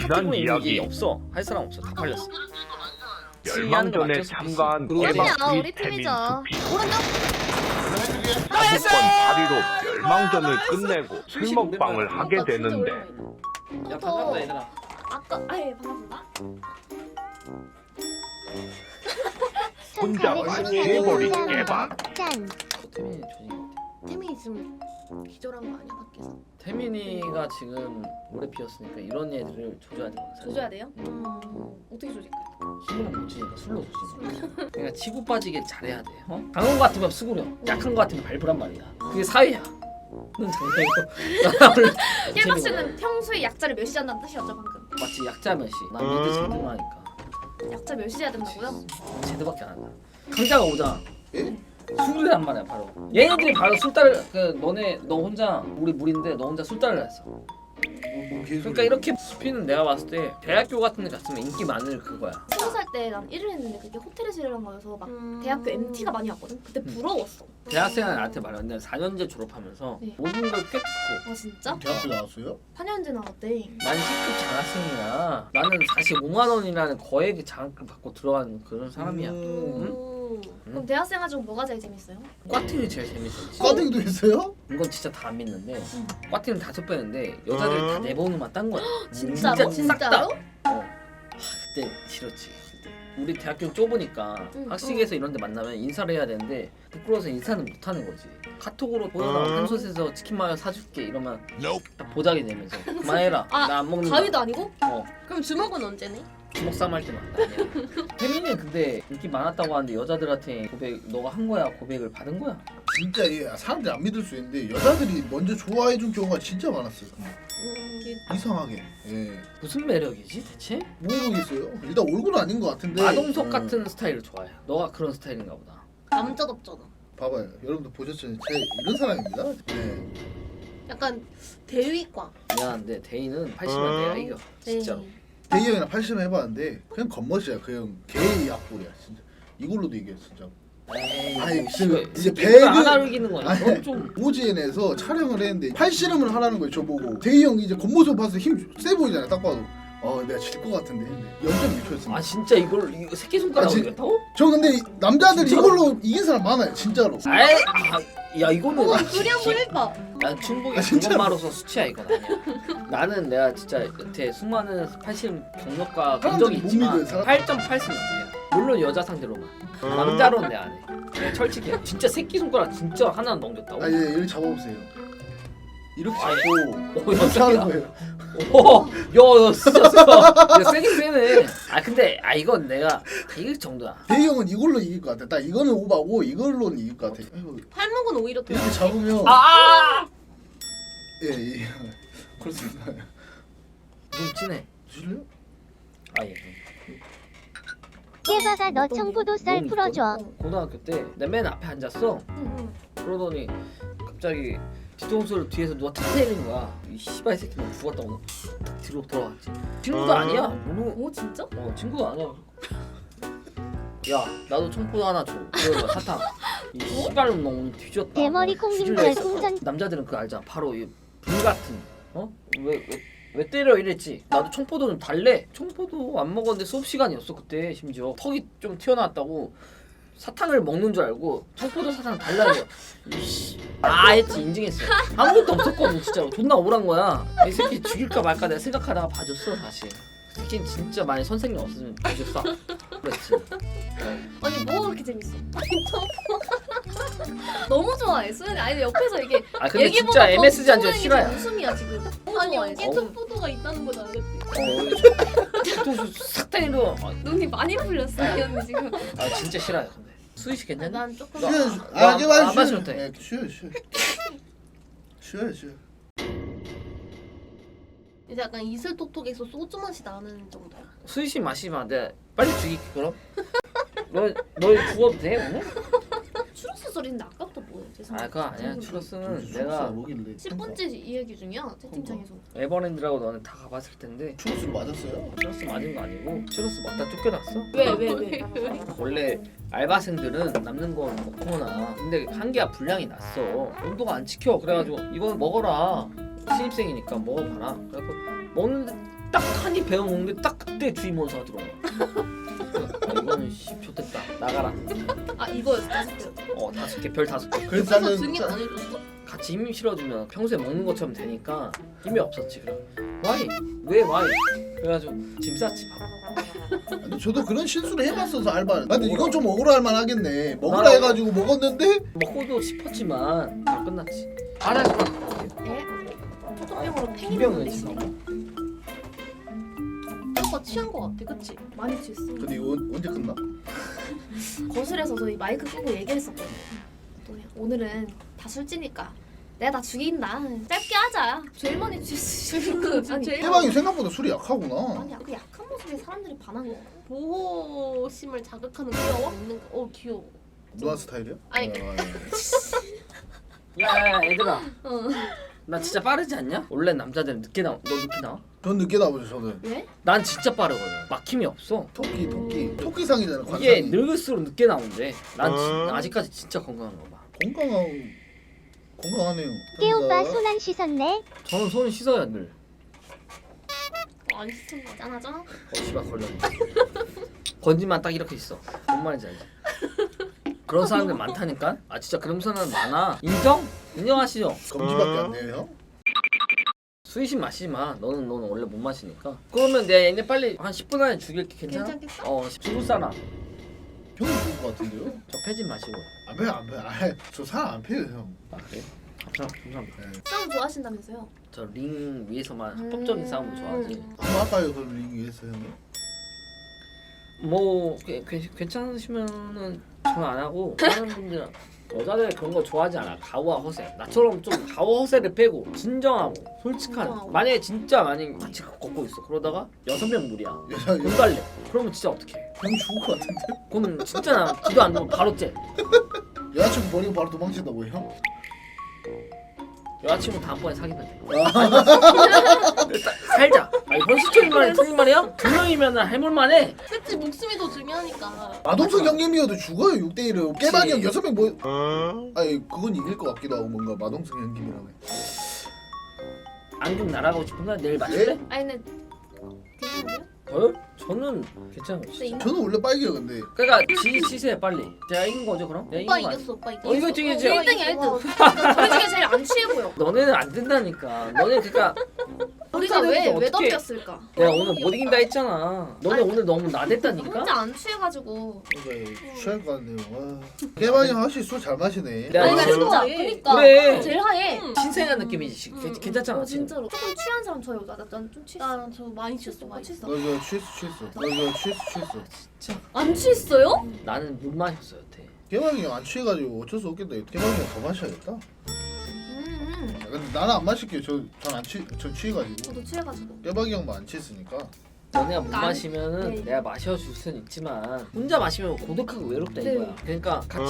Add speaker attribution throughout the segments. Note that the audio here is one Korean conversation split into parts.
Speaker 1: 지난 이야기
Speaker 2: 없어. 할 사람 없어. 다 팔렸어.
Speaker 1: 멸망전에 참가한
Speaker 3: 우리야,
Speaker 1: 깨박
Speaker 3: 우리
Speaker 1: 및 태민
Speaker 3: 팀이죠.
Speaker 1: 두피
Speaker 3: 오른쪽.
Speaker 1: 사부권 다리로 멸망전을 끝내고 술 먹방을 하게 되는데
Speaker 2: 야 반갑다 얘들아.
Speaker 3: 아까 아예 반갑습니다.
Speaker 1: 혼자 완치해버린 깨박.
Speaker 3: 짠.
Speaker 2: 태민이 조진.
Speaker 3: 태민이 지금 기절한 거 아니야 밖에서?
Speaker 2: 태민이가 지금 오래 피었으니까 이런 애들을 조져야 되거든. 사실.
Speaker 3: 조져야 돼요? 어떻게 조질까요?
Speaker 2: 힘으로 못 치니까 술로 조지는 거야. 그러니까 치고 빠지게 잘해야 돼. 어? 강한 거 같으면 수그려. 약한 거 같으면 밟으란 말이야. 그게 사회야. 넌 장난이고.
Speaker 3: 깨박 씨는 평소에 약자를 멸시한다는 뜻이었죠 방금.
Speaker 2: 맞지 약자 몇시. 난 미드 제드만 하니까.
Speaker 3: 약자 멸시해야 된다고요?
Speaker 2: 제드밖에 안 한다. 강자가 오잖아. 술이란 말이야 바로. 얘네들이 바로 술따를 너 혼자 우리 무리인데 너 혼자 술따를 했어. 그러니까 이렇게 수피는 내가 봤을 때 대학교 같은 데 갔으면 인기 많을 그거야.
Speaker 3: 20살 때 난 일을 했는데 그게 호텔에서 일을 한 거여서 막 대학교 MT가 많이 왔거든? 그때 부러웠어.
Speaker 2: 대학생은 나한테 말했는데 4년제 졸업하면서
Speaker 3: 네.
Speaker 2: 모든 걸 꿰뚫고
Speaker 3: 아 진짜?
Speaker 4: 대학교 나왔어요?
Speaker 3: 4년제 나왔대.
Speaker 2: 난 10급 장학생이야. 나는 45만 원이라는 거액의 장학금 받고 들어간 그런 사람이야.
Speaker 3: 그럼 대학생활 중 뭐가 제일 재밌어요?
Speaker 2: 꽈팅이 제일 재밌었지.
Speaker 4: 과등도 있어요?
Speaker 2: 이건 진짜 다 안 믿는데 꽈팅은 5배인데 여자들 다 4번으로만 딴 거야.
Speaker 3: 진짜로?
Speaker 2: 싹 다.
Speaker 3: 진짜로?
Speaker 2: 그때 싫었지. 그때. 우리 대학교 좁으니까 학식에서 이런 데 만나면 인사를 해야 되는데 부끄러워서 인사는 못 하는 거지. 카톡으로 보여라 한 솥에서 치킨 마요 사줄게 이러면 딱 보자기 되면서 그만해라.
Speaker 3: 아,
Speaker 2: 나 안 먹는
Speaker 3: 가위도 아니고?
Speaker 2: 어.
Speaker 3: 그럼 주먹은 언제네?
Speaker 2: 주먹 싸움 할 때만. 아니야. 태민이 근데 인기 많았다고 하는데 여자들한테 고백 너가 한 거야 고백을 받은 거야?
Speaker 4: 진짜 사람들이 안 믿을 수 있는데 여자들이 먼저 좋아해준 경우가 진짜 많았어요. 이상하게. 예.
Speaker 2: 무슨 매력이지 대체?
Speaker 4: 모르겠어요. 일단 얼굴은 아닌 것 같은데.
Speaker 2: 마동석 같은 스타일을 좋아해. 너가 그런 스타일인가 보다.
Speaker 3: 남자답잖아.
Speaker 4: 봐봐요. 여러분들 보셨죠? 제 이런 사람입니다. 네.
Speaker 3: 약간 대위과.
Speaker 2: 미안한데 데이는 80만 내가 이겨. 진짜로.
Speaker 4: 대희 형이랑 80을 해봤는데 그냥 겉멋이야. 그 형 개의 약골이야 진짜. 이걸로도 이겨 진짜.
Speaker 2: 에이,
Speaker 4: 아니,
Speaker 2: 뭐,
Speaker 4: 그
Speaker 2: 씨발,
Speaker 4: 이제
Speaker 2: 새끼가
Speaker 4: 배그-
Speaker 2: 하나로 이기는 거야.
Speaker 4: 아니,
Speaker 2: 그건 좀
Speaker 4: 오지엔에서 촬영을 했는데 팔씨름을 하라는 거예요 저보고. 대희 형이 이제 겉모습 봐서 힘 세 보이잖아요 딱 봐도. 내가 질 것 같은데 0.6초였습니다.
Speaker 2: 아 진짜 이거 새끼 손가락으로
Speaker 4: 진-
Speaker 2: 이겼다고?
Speaker 4: 저 근데 남자들이
Speaker 2: 진짜로?
Speaker 4: 이걸로 이긴 사람 많아요 진짜로.
Speaker 2: 야 이거는
Speaker 3: 그리 한번 해봐.
Speaker 2: 난 충북이
Speaker 4: 진짜로?
Speaker 2: 그것마로서 수치야 이건 아니야. 나는 내가 진짜 여태 수많은 80 경력과 본
Speaker 4: 사람들이
Speaker 2: 적이
Speaker 4: 못
Speaker 2: 있지만
Speaker 4: 믿어요, 사람.
Speaker 2: 8.8승 이야 물론 여자 상대로만. 남자로는 내가 안 해. 내가 철칙이야. 진짜 새끼 손가락 진짜 하나 넘겼다고?
Speaker 4: 아 예, 이렇게 잡아보세요. 이렇게
Speaker 2: 아니,
Speaker 4: 잡고
Speaker 2: 야,
Speaker 4: 이렇게 하는 거예요.
Speaker 2: 야 진짜 세다. 야 세긴 세네. 근데 이건 내가 이길 정도야.
Speaker 4: 대희 형은 이걸로 이길 것 같아. 딱 이거는 오바고 이걸로는 이길 것 같아. 아이고,
Speaker 3: 팔목은 오히려 더.
Speaker 4: 이렇게 잡으면 예, 예. 그렇습니다.
Speaker 2: 좀 진해.
Speaker 4: 주실래요?
Speaker 2: 예.
Speaker 5: 깨박아 너 청포도 쌀
Speaker 2: 너무
Speaker 5: 풀어줘.
Speaker 2: 고등학교 때 내 맨 앞에 앉았어. 그러더니 갑자기 뒤통수를 뒤에서 누가 탁 때리는 거야. 이 씨발 새끼 너 죽었다고 탁 뒤로 돌아갔지. 친구도 아니야.
Speaker 3: 오 진짜?
Speaker 2: 친구도 아니야. 야 나도 청포도 하나 줘. 그래서 사탕. 이 씨발놈 너 오늘 뒤졌다.
Speaker 5: 대머리 콩님
Speaker 2: 뒤질라 했어.
Speaker 5: 별풍선.
Speaker 2: 남자들은 그거 알잖아. 바로 이 불 같은 왜 때려 이랬지. 나도 청포도 좀 달래. 청포도 안 먹었는데 수업 시간이었어 그때. 심지어 턱이 좀 튀어나왔다고 사탕을 먹는 줄 알고 청포도 사탕 달라고. 이씨 했지. 인증했어. 아무것도 없었거든 진짜로. 존나 억울한 거야. 이 새끼 죽일까 말까 내가 생각하다가 봐줬어 다시. 새끼는 진짜 만약 선생님 없으면 봐줬어. 그랬지.
Speaker 3: 아니 뭐 그렇게 재밌어? 너무 좋아해 수연이. 아니 옆에서 이게
Speaker 2: 근데
Speaker 3: 얘기보다
Speaker 2: 진짜
Speaker 3: 더
Speaker 2: MSG 한 줄
Speaker 3: 수연이
Speaker 2: 싫어요.
Speaker 3: 웃음이야 지금. 아니 여기 청포도가 있다는 건 알겠지.
Speaker 2: 뒤통수 싹 때리러.
Speaker 3: 눈이 많이 풀렸어 이 언니 지금.
Speaker 2: 진짜 싫어요 근데. 수희 씨 괜찮니?
Speaker 3: 난 조금.
Speaker 2: 너-
Speaker 4: 쉬어요.
Speaker 2: 너
Speaker 4: 이제
Speaker 2: 안 마셔도 돼.
Speaker 4: 네, 쉬어요. 쉬어요.
Speaker 3: 이제 약간 이슬톡톡에서 소주 맛이 나는 정도야.
Speaker 2: 수희 씨 마시면 내가 빨리 죽일게 그럼. 너 죽어도 돼 오늘?
Speaker 3: 추러스 소리인데 아까부터 뭐야? 죄송해요.
Speaker 2: 그거 아니야. 추러스는
Speaker 4: 추러스
Speaker 2: 내가
Speaker 4: 뭐길래?
Speaker 3: 10분째 이 얘기 중이야 채팅창에서.
Speaker 2: 에버랜드라고 너는 다 가봤을 텐데
Speaker 4: 추러스를 맞았어요?
Speaker 2: 추러스 맞은 거 아니고 추러스 먹다 쫓겨났어.
Speaker 3: 왜?
Speaker 2: 원래 알바생들은 남는 건 먹거나 근데 한계야 분량이 났어. 온도가 안 지켜. 그래가지고 이거 먹어라. 신입생이니까 먹어봐라. 그래갖고 먹는데 딱 한 입 베어 먹는데 딱 그때 주임 원사가 들어온 거야. 이거는 씨 좋댔다. 나가라.
Speaker 3: 아 이거였어 5개.
Speaker 2: 5개 별 5개.
Speaker 4: 그래서 나는
Speaker 5: 증인 안 해줬어?
Speaker 2: 같이 힘 실어주면 평소에 먹는 것처럼 되니까 힘이 없었지. 그럼 와이 왜 와이? 그래가지고 짐 쌌지 바로.
Speaker 4: 근데 저도 그런 실수를 해봤어서 알바. 근데 이건 좀 억울할 만하겠네. 먹으라
Speaker 2: 나라고.
Speaker 4: 해가지고 먹었는데
Speaker 2: 먹고도 싶었지만 다 끝났지. 알아서
Speaker 3: 예? 초토병으로 팽이
Speaker 2: 비병은
Speaker 3: 먹는데
Speaker 2: 지금.
Speaker 5: 오빠 취한 거 같아, 그치?
Speaker 3: 많이 취했어.
Speaker 4: 근데 이거 언제 끝나?
Speaker 3: 거실에서 저희 마이크 끄고 얘기했었거든요. 또 오늘은 다 술지니까 내가 다 죽인다. 짧게 하자. 제일 많이 취했어. 아니,
Speaker 4: 해방이 생각보다 술이 약하구나.
Speaker 3: 아니 그 약한 모습에 사람들이 반한 거야.
Speaker 5: 보호심을 자극하는 귀여워? 있는 거. 귀여워.
Speaker 4: 누아 스타일이야?
Speaker 5: 아니,
Speaker 2: 야 얘들아.
Speaker 3: 어.
Speaker 2: 나 진짜 빠르지 않냐? 원래 남자들은 늦게 나와. 너 늦게 나와?
Speaker 4: 전 늦게 나오죠 저는.
Speaker 3: 왜?
Speaker 2: 난 진짜 빠르거든. 막힘이 없어.
Speaker 4: 토끼상이잖아. 관상이.
Speaker 2: 이게 늙을수록 늦게 나오는데 난 아직까지 진짜 건강한 거 봐.
Speaker 4: 건강하네요.
Speaker 6: 깨 오빠
Speaker 4: 감사합니다.
Speaker 6: 손 안 씻었네.
Speaker 2: 저는 손 씻어야 늘.
Speaker 5: 안 씻은 거 같아.
Speaker 3: 짠하죠?
Speaker 2: 씨발 걸렸네. 건지만 딱 이렇게 있어. 뭔 말인지 알지? 그런 사람들 많다니까? 아 진짜 그런 사람 많아. 인정? 인정하시죠?
Speaker 4: 검지밖에 안 돼요 형?
Speaker 2: 수이신 마시지 마. 너는 원래 못 마시니까. 그러면 내가 얘네 빨리 한 10분 안에 죽일게. 괜찮아?
Speaker 5: 괜찮겠어?
Speaker 2: 죽을 사람.
Speaker 4: 형이 좋을 것 같은데요?
Speaker 2: 저 패진 마시고.
Speaker 4: 안 패요 안 패요. 저 사람 안 패요 형.
Speaker 2: 아 그래? 감사합니다.
Speaker 4: 네.
Speaker 3: 싸움 좋아하신다면서요?
Speaker 2: 저 링 위에서만 합법적인 싸움을 좋아하지.
Speaker 4: 한번 할까요 그럼 링 위해서 형님?
Speaker 2: 뭐 괜찮으시면은 저는 안 하고 다른 분들은 여자들 그런 거 좋아하지 않아. 가오와 허세. 나처럼 좀 가오 허세를 빼고 진정하고 솔직한.
Speaker 3: 진정하고.
Speaker 2: 만약에 진짜 많이 같이 걷고 있어. 그러다가 6명 무리야.
Speaker 4: 여자
Speaker 2: 돈 달래. 그러면 진짜 어떡해?
Speaker 4: 형 죽을 것 같은데?
Speaker 2: 그럼 진짜 나 기도 안 되면 바로 째.
Speaker 4: 여자친구 버리고 바로 도망친다고요 형?
Speaker 2: 여자친구 다음번에 사귀면 돼. 일단 살자. 아니 현실적인 말이 틀린 말이야? 2명이면 해볼만해.
Speaker 5: 그치, 목숨이 더 중요하니까.
Speaker 4: 마동석 형님이어도 죽어요 6대1은. 깨박이 형
Speaker 2: 그치.
Speaker 4: 6명 뭐 아니 그건 이길 것 같기도 하고 뭔가 마동석 형님이라면.
Speaker 2: 안경 날아가고 싶은가? 내일 마실래?
Speaker 3: 아니 근데 괜찮으세요?
Speaker 2: 저요? 저는 괜찮아요.
Speaker 3: 근데
Speaker 2: 진짜.
Speaker 4: 저는 원래 빨개요 근데.
Speaker 2: 그러니까 치세요 빨리. 제가 이긴 거죠 그럼? 내가
Speaker 5: 오빠
Speaker 2: 이긴 거
Speaker 5: 이겼어, 오빠 이겼어.
Speaker 2: 이거 중이지.
Speaker 3: 1등이야 1등. 우리 중에 제일 안 취해 보여.
Speaker 2: 너네는 안 된다니까. 너네 그러니까
Speaker 3: 우리가 왜
Speaker 2: 어떻게-
Speaker 3: 덤볐을까?
Speaker 2: 내가 오늘 못 이긴다 했잖아. 너네 오늘 너무 나댔다니까.
Speaker 3: 혼자 안 취해가지고.
Speaker 4: 그러니까 취할 것 같네요. 와. 깨박이 형 확실히 술 잘 마시네.
Speaker 2: 내가
Speaker 3: 아니
Speaker 2: 이거
Speaker 3: 진짜
Speaker 5: 그래.
Speaker 3: 그니까
Speaker 2: 그래.
Speaker 3: 제일 하얘.
Speaker 2: 신생한 느낌이지. 괜찮잖아
Speaker 3: 어
Speaker 2: 지금.
Speaker 3: 진짜로. 조금 취한 사람 저요. 난좀 취했어.
Speaker 5: 나저 많이 취했어, 많이 취했어.
Speaker 4: 너 이거 취했어.
Speaker 3: 안 취했어요?
Speaker 2: 나는 못 마셨어 여태.
Speaker 4: 깨박이 형 안 취해가지고 어쩔 수 없겠다. 깨박이 형 더 마셔야겠다.
Speaker 3: 음.
Speaker 4: 야, 근데 나는 안 마실게요. 전 취해가지고.
Speaker 3: 저도 취해가지고.
Speaker 4: 깨박이 형만 안 취했으니까.
Speaker 2: 너네가 못
Speaker 3: 난-
Speaker 2: 마시면은
Speaker 3: 네.
Speaker 2: 내가 마셔줄 수는 있지만 혼자 마시면 고독하고 외롭다
Speaker 3: 네.
Speaker 2: 이거야. 그러니까 같이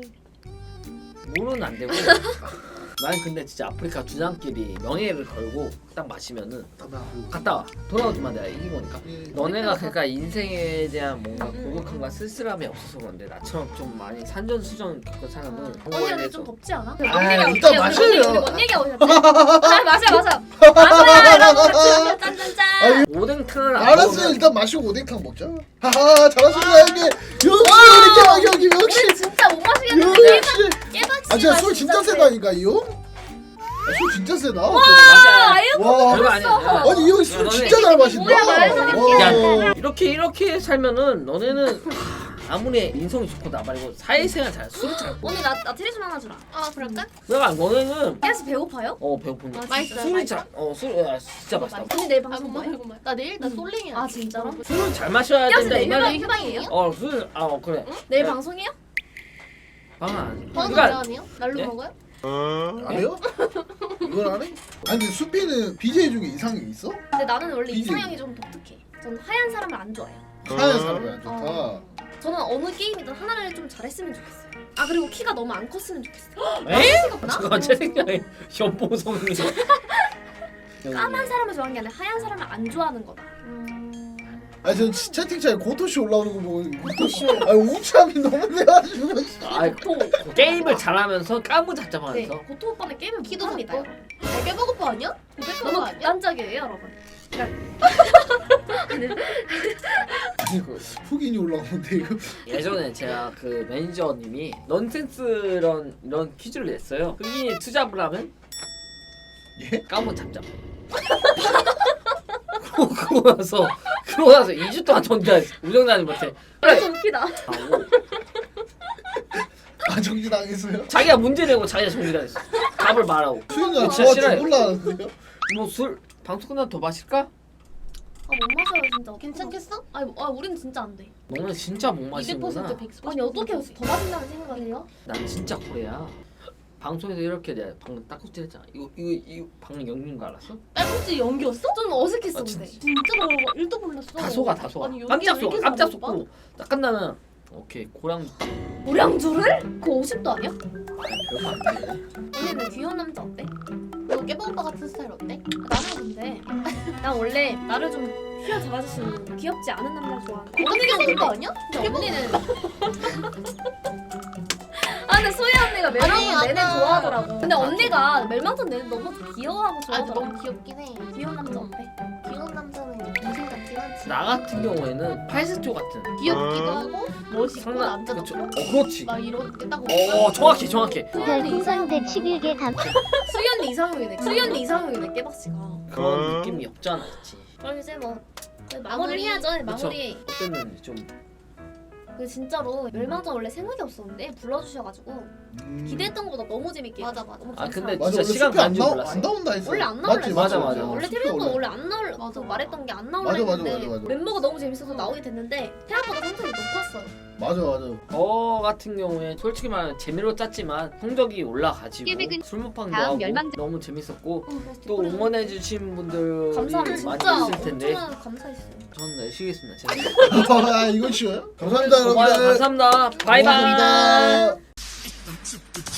Speaker 2: 물은 안 되고. 난 근데 진짜 아프리카 주장끼리 명예를 걸고 딱 마시면은 갔다 와. 돌아오지만 내가 이긴 거니까. 너네가 그러니까 인생에 대한 뭔가 고독함과 쓸쓸함이 없어서 그런데 나처럼 좀 많이 산전수전 겪은 사람은 그런 거에
Speaker 3: 언니 근데
Speaker 2: 대해서
Speaker 3: 좀 덥지 않아?
Speaker 4: 일단 마셔요.
Speaker 3: 뭔 얘기하고 있었지? 아 맞아. 마셔요 여러분 같이 짠짠짠.
Speaker 2: 오뎅탕을 안
Speaker 4: 알았어요.
Speaker 2: 먹으면
Speaker 4: 일단 마시고 오뎅탕 먹자. 하하 잘하신다 형님. 역시 우리 깨박이 형님 역시.
Speaker 3: 우리 진짜 못 마시겠는데.
Speaker 4: 역시.
Speaker 3: 깨박씨.
Speaker 4: 아 진짜 술 진짜 세다니까 이 형. 아, 술 진짜 세다.
Speaker 2: 맞아.
Speaker 4: 와.
Speaker 2: 별거 아니야. 야.
Speaker 4: 아니 이 형이 술
Speaker 2: 너네-
Speaker 4: 진짜 잘 마신다.
Speaker 3: 뭐야, 말도
Speaker 4: 와.
Speaker 2: 이렇게 살면은 너네는 아무리 인성이 좋고 나 말고 사회생활 잘 술을 잘 먹어.
Speaker 3: 언니 나 트리즘 하나 주라.
Speaker 5: 아, 그럴까?
Speaker 2: 내가 너네는
Speaker 3: 깨스 배고파요?
Speaker 2: 배고픈 거.
Speaker 3: 아,
Speaker 5: 맛있어요.
Speaker 2: 술이 술 진짜 맛있다.
Speaker 3: 언니 내일
Speaker 5: 아,
Speaker 3: 방송
Speaker 5: 정말
Speaker 3: 뭐해?
Speaker 5: 궁금해. 나 내일 나 솔랭이야.
Speaker 3: 아 진짜로?
Speaker 2: 술을 잘 마셔야
Speaker 3: 깨스
Speaker 2: 된다 이
Speaker 3: 내일
Speaker 2: 말이.
Speaker 3: 휴방이에요?
Speaker 2: 그래.
Speaker 3: 내일
Speaker 2: 네.
Speaker 3: 방송이요?
Speaker 2: 방안.
Speaker 5: 방송
Speaker 2: 그러니까
Speaker 5: 아니에요? 날로
Speaker 2: 예?
Speaker 5: 먹어요?
Speaker 4: 안 해요? 이걸 안 해? 아니 근데 수피는 BJ 중에 이상이 있어?
Speaker 3: 근데 나는 원래
Speaker 4: BJ.
Speaker 3: 이상형이 좀 독특해. 저는 하얀 사람을 안 좋아해요.
Speaker 4: 하얀 사람이 안 좋다.
Speaker 3: 저는 어느 게임이든 하나를 좀 잘했으면 좋겠어요. 아 그리고 키가 너무 안 컸으면 좋겠어요.
Speaker 2: 에? 잠깐 제 생각에 연보성이.
Speaker 3: 까만 사람을 좋아하는 게 아니라 하얀 사람을 안 좋아하는 거다.
Speaker 4: 아니 전 채팅창에 고토씨 올라오는 거 보고 아니 우참이 너무 돼가지고.
Speaker 2: 게임을 잘하면서 까무잡잡하면서.
Speaker 3: 네, 고토 오빠는 게임을
Speaker 5: 키도
Speaker 3: 못합니다.
Speaker 5: 작고. 깨버거파 아니야? 고백한 거
Speaker 3: 너무
Speaker 5: 아니야?
Speaker 3: 극단적이에요, 여러분.
Speaker 4: 아니 그 흑인이 올라오는데 이거
Speaker 2: 예전에 제가 그 매니저님이 넌센스 이런 퀴즈를 냈어요. 흑인이 투잡을 하면
Speaker 4: 예?
Speaker 2: 까먹 잡잡. 그러고 나서 2주 동안 정지했어. 우정자님한테
Speaker 3: 좀 웃기다.
Speaker 2: 하고
Speaker 4: 아 정지 당했어요?
Speaker 2: 자기가 문제 내고 자기가 정리를 했어. 답을 말하고.
Speaker 4: 수현이가
Speaker 2: 진짜
Speaker 4: 저한테
Speaker 2: 싫어요.
Speaker 4: 올라왔는데요?
Speaker 2: 뭐 술 방송 끝나면 더 마실까?
Speaker 3: 아 못 마셔요 진짜.
Speaker 5: 괜찮겠어?
Speaker 3: 아니 우린 진짜 안 돼.
Speaker 2: 너는 진짜 못 마시는구나.
Speaker 5: 200% 100%
Speaker 3: 아니 어떻게 더 마신다는 생각을 해요?
Speaker 2: 난 진짜 그래야. 방송에서 이렇게 내가 방금 딱꼭질 했잖아. 이거 방금 연기인 거 알았어?
Speaker 5: 딸꾹질 연기였어?
Speaker 3: 좀 어색했어
Speaker 2: 아,
Speaker 3: 근데.
Speaker 5: 진짜로 1도 몰랐어.
Speaker 2: 다 속아 다 속아.
Speaker 5: 아니, 연기
Speaker 2: 깜짝
Speaker 5: 왜
Speaker 2: 속아
Speaker 5: 이렇게
Speaker 2: 깜짝
Speaker 5: 잘하는
Speaker 2: 속고 딱 끝나면 오케이 고랑
Speaker 3: 우량주를? 그거 50도 아니야?
Speaker 2: 별거 안 돼.
Speaker 3: 언니는 귀여운 남자 어때?
Speaker 5: 너 깨방 오빠 같은 스타일 어때?
Speaker 3: 나는 근데 난 원래 나를 좀 휘어잡아주시는 귀엽지 않은 남자 좋아하는데
Speaker 5: 언니는 그런 거 아니야?
Speaker 3: 근데 언니는 아 근데 소희 언니가 멜망전
Speaker 5: 아니,
Speaker 3: 내내
Speaker 5: 아까-
Speaker 3: 좋아하더라고 근데 언니가 멜망전 내내 너무 귀여워하고
Speaker 5: 아
Speaker 3: 좋아하더라고
Speaker 5: 너무 귀엽긴 해.
Speaker 3: 귀여운 남자 어때?
Speaker 5: 귀여운 남자는 동생 같긴 하지.
Speaker 2: 나 같은 경우에는 팔스토 같은
Speaker 5: 귀엽기도 하고 멋있고
Speaker 2: 상남
Speaker 5: 남자도
Speaker 2: 그쵸?
Speaker 5: 그렇고
Speaker 2: 그렇지.
Speaker 5: 막 이렇게 딱
Speaker 2: 정확히
Speaker 6: 별풍선 111개 감.
Speaker 3: 수희 언니 이상형이네 수희 언니 이상형이네 깨박씨가
Speaker 2: 그런 느낌이 없지 않아 있지.
Speaker 3: 그럼 이제 뭐 마무리를 해야죠 마무리
Speaker 2: 어땠는지 좀
Speaker 3: 그 진짜로 멸망전 원래 생각이 없었는데 불러주셔가지고 기대했던 것보다 너무 재밌게
Speaker 5: 맞아,
Speaker 3: 했어요.
Speaker 5: 맞아.
Speaker 3: 너무
Speaker 2: 아, 근데
Speaker 3: 감사하고.
Speaker 2: 진짜 시간
Speaker 4: 숲이 안
Speaker 2: 가는 줄
Speaker 4: 나오-
Speaker 2: 몰랐어.
Speaker 4: 안 나온다 했어.
Speaker 3: 원래 안 나올라
Speaker 4: 맞지,
Speaker 2: 맞아,
Speaker 4: 맞지,
Speaker 2: 맞아.
Speaker 3: 원래
Speaker 4: 숲이
Speaker 3: 태블릿도
Speaker 4: 원래.
Speaker 3: 원래 안 나올
Speaker 5: 맞아,
Speaker 3: 그 말했던 게 안 나올라
Speaker 4: 맞아, 맞아,
Speaker 3: 했는데
Speaker 4: 맞아, 맞아.
Speaker 3: 멤버가 너무 재밌어서 나오게 됐는데 생각보다 성적이 높았어요.
Speaker 4: 맞아 맞아.
Speaker 2: 저 같은 경우에 솔직히 말하면 재미로 짰지만 성적이 올라가지고
Speaker 6: 깨백은
Speaker 2: 술 먹방도
Speaker 6: 다음
Speaker 2: 하고
Speaker 6: 멸망전.
Speaker 2: 너무 재밌었고
Speaker 3: 그래서
Speaker 2: 또
Speaker 3: 뒷골에서
Speaker 2: 응원해주신 분들이
Speaker 3: 감사합니다
Speaker 2: 많이
Speaker 3: 진짜
Speaker 2: 있을 텐데
Speaker 3: 엄청나게 감사했어요.
Speaker 2: 저는 내쉬겠습니다. 재밌었고
Speaker 4: 아 이거 쉬워요? 감사합니다
Speaker 2: 고마워요.
Speaker 4: 여러분들.
Speaker 2: 감사합니다. 바이바이.
Speaker 4: 고맙습니다.